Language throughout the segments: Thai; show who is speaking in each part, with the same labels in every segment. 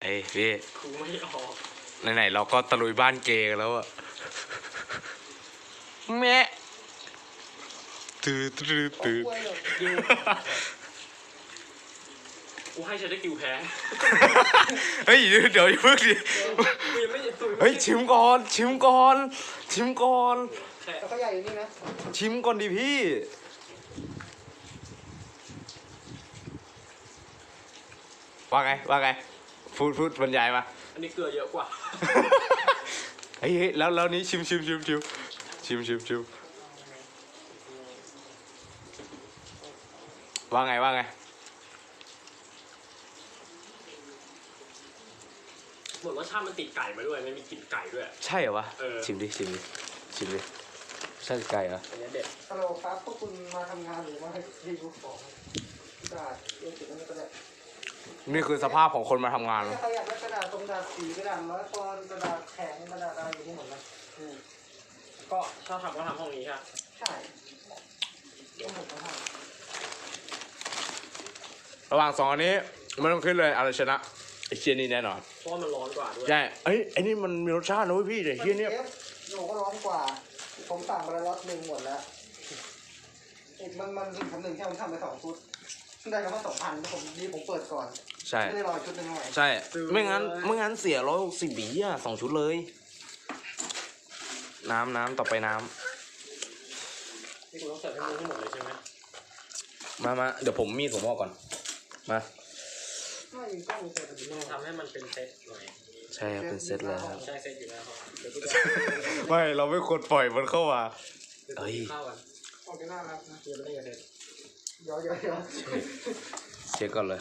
Speaker 1: อ้พี่
Speaker 2: กูไม่ออก
Speaker 1: ไหนๆเราก็ตะลุยบ้านเกย์กันแล้วอะแม่ตื้อ
Speaker 2: กูให้ฉันได้กิวแพ้
Speaker 1: เฮ้ยเดี๋ยวอย่าเพิ่งดิ
Speaker 2: กูยังไม่
Speaker 1: เฮ้ยชิมก่อนชิมก่อน
Speaker 3: แล้วก็ใหญ่อยู่นี่นะ
Speaker 1: ชิมก่อนดิพี่ว่าไงพูดบรรยายมา
Speaker 2: อันนี้เกลือเยอะกว่า
Speaker 1: เฮ้ยแล้วนี้ชิมว่าไง
Speaker 2: เหมือนรสชาติมันติดไก่มาด้วยมันมีกลิ่นไก่ด้วย
Speaker 1: ใช่เหรอวะชิมดิใช่ไก่เหรอ
Speaker 2: อันนี้เด็ด
Speaker 3: ฮัลโหลครับพวกคุณมาทำงานหรือว่าให้รีวิวของกระดาษเรื่องติดนั่นก็ได้
Speaker 1: นี่คือสภาพของคนมาทำงาน
Speaker 3: ใครอยากได้กระดาษตรงกระดาษสีกระดาษร้อยปอนด์กระดาษแข็งกระดาษอะไรอยู่ที่หมดนะ
Speaker 2: ก็ถ้าทำก็ทำห้องนี้ค่ะ
Speaker 3: ใช่ต้องหมดทั้งห้อง
Speaker 1: ระหว่างสองอันนี้ไม่ต้องขึ้นเลยอะไรชนะไอเชียนี่แน่นอน
Speaker 2: เพราะมันร้อนกว่าด้วย
Speaker 1: ใช่ไอ้นี่มันมีรสชาตินะเว้ยพี่แต่เชียนี่
Speaker 3: หนูก็ร้อนกว่าผมสั่งมาแล้วล็อตหนึ่งหมดแล้วมันทำหนึ่งแค่ผมทำไป2 ชุดได้แล้วก็2,000ผมเปิดก่อน
Speaker 1: ใช่
Speaker 3: ไม่ได้รอชุดหนึ่งหน่อย
Speaker 1: ใช่ไม่งั้นเสีย160 บาท2 ชุดเลยน้ำต่อไปน้
Speaker 2: ำนี่คุณต้องเสิร์ฟให้มือให้หมดเลยใช่ไหม
Speaker 1: มาเดี๋ยวผมมีดผมออกก่อนมา
Speaker 2: ทำให้มันเป็นเซตหน่อย
Speaker 1: ใช่เป็นเซตแล้ว
Speaker 2: ใช่เซตอยู่แล้ว
Speaker 1: ไม่เราไม่ควรปล่อยมันเข้ามา
Speaker 2: เฮ้ยข้าวกัน
Speaker 3: ออกจะน่ารักนะ
Speaker 2: เดี๋ยวไม่ได้เสร็จ
Speaker 3: เดี๋ยว
Speaker 1: เช็คก่อนเลย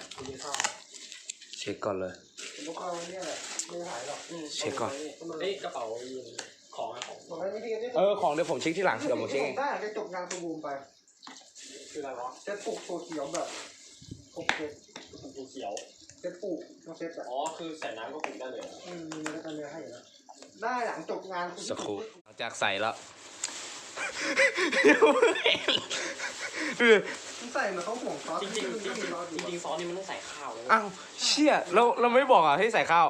Speaker 3: ผมก็เนี่ยแหละไม่หายหรอก
Speaker 1: เช็คก่อน
Speaker 2: เฮ้ยกระเป๋าของ
Speaker 1: ของเดี๋ยวผมเช็คที่หลังเดี๋ยวผมเช็คเอง
Speaker 3: ได้จะจบงานประมูลไป
Speaker 2: คืออะไรวะ
Speaker 3: เซ็ตปลูกโซเขียวแบบครบเซ็ต
Speaker 2: เขียว
Speaker 3: เซ็ตปลูกเซ็ต
Speaker 2: อ๋อคือใส่น้ำก็ปลูกได้เลย
Speaker 3: มีแล้วกันเลยให้นะได้หลังจบงาน
Speaker 1: สักครู่หลังจากใส่แล้ว
Speaker 3: ใส่เหมือนเขาห่วงซอส
Speaker 2: จริงซอสนี่มันต้องใส่ข้าวเลย
Speaker 1: อ้าวเชี่ยเราไม่บอกอ่ะให้ใส่ข้าว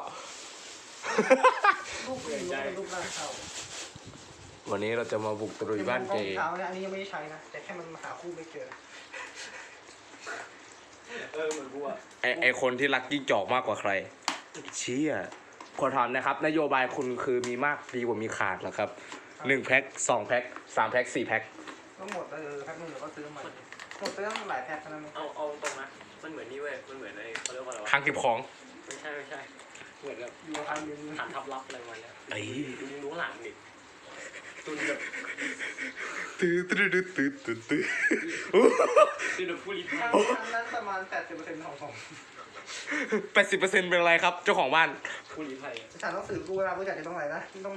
Speaker 3: ลูกหน้าข้าว
Speaker 1: วันนี้เราจะมาบุกตรุยบ้านเจ
Speaker 3: อันนี้ยังไม่ได้ใช้นะแต่แค่มันหาคู่ไม่เจอ
Speaker 2: เหมือนกูอะ
Speaker 1: ไอคนที่รักยิ่งจอกมากกว่าใครเชี่ยขอถามนะครับนโยบายคุณคือมีมากดีกว่ามีขาดเหรอครับ1 แพ็ค2 แพ็ค3 แพ็ค4 แพ็ค
Speaker 3: ทั้งหมดแพ็คนึงเดี๋ยวก็ซื้อใหม่หมดไปตั้งหลายแพ็คแล้วนะ
Speaker 2: เอาตรงนะมันเหมือนนี่เว้ยมันเหมือนไอ้เขาเรียกว่าอะไรวะ
Speaker 1: ครั้งเก็บของ
Speaker 2: ไม่ใช่เหมือนแบบ
Speaker 3: อยู่ทางนึง
Speaker 2: ฐานทับลับอะไรมาเนี่ยดูหลังดิตุนแบบ
Speaker 1: ตื้อ
Speaker 2: แบบผู้ลี้ภัย
Speaker 3: นั้นประมาณ80%ของ
Speaker 1: 80%เป็นอะไรครับเจ้าของบ้าน
Speaker 2: ผู้ลี้ภัย
Speaker 3: ฉันต้องสื่อกูเวลากูอยากจะต้องอะไรนะต้อง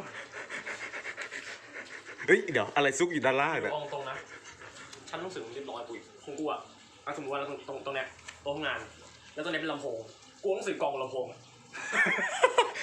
Speaker 1: เฮ้ยเดี๋ยวอะไรซุกอยู่ด้านล่าง
Speaker 2: เนี่ยตรงนะฉันต้องสื่อเรียบร้อยกูของกูอะสมมติว่าตรงเนี้ยโต๊ะงานแล้วตรงนี้เป็นลำโพงกูต้องสื่อกองลำโพง